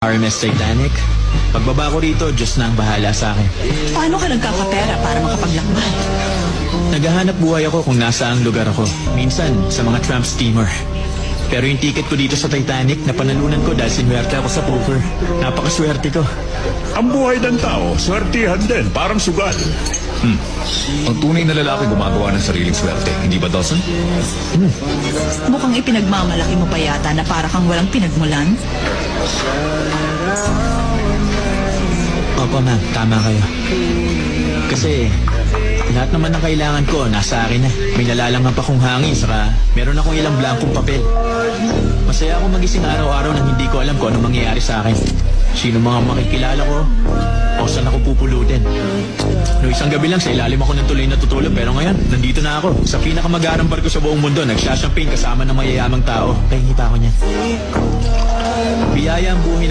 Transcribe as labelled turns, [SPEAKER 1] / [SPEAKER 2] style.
[SPEAKER 1] RMS Titanic. Pagbaba ko rito, Diyos na ang bahala sa akin.
[SPEAKER 2] Paano ka nagkakapera para makapaglakbay?
[SPEAKER 1] Naghahanap buhay ako kung nasa ang lugar ako. Minsan, sa mga tramp steamer. Pero yung ticket ko dito sa Titanic, napanalunan ko dahil sinuwerte ako sa poker. Napakaswerte ko.
[SPEAKER 3] Ang buhay ng tao, swertihan din, parang sugal.
[SPEAKER 4] Ang tunay na lalaki gumagawa ng sariling swerte. Hindi ba, Dawson?
[SPEAKER 2] Mukhang ipinagmamalaki mo pa yata na para kang walang pinagmulan.
[SPEAKER 1] Opo, ma'am. Tama kayo. Kasi lahat naman ng kailangan ko nasa akin na. May nalalanghap akong hangin, saka meron akong ilang blankong papel. Masaya akong magising araw-araw nang hindi ko alam kung ano mangyayari sa akin. Sino mga makikilala ko o saan ako pupulutin. No, isang gabi lang sa ilalim ako ng tuloy natutulog, pero ngayon nandito na ako sa pinakamagarang barko sa buong mundo, nagsasyamping kasama ng mayayamang tao. Kaya pa ako niyan. Biyaya ang buhay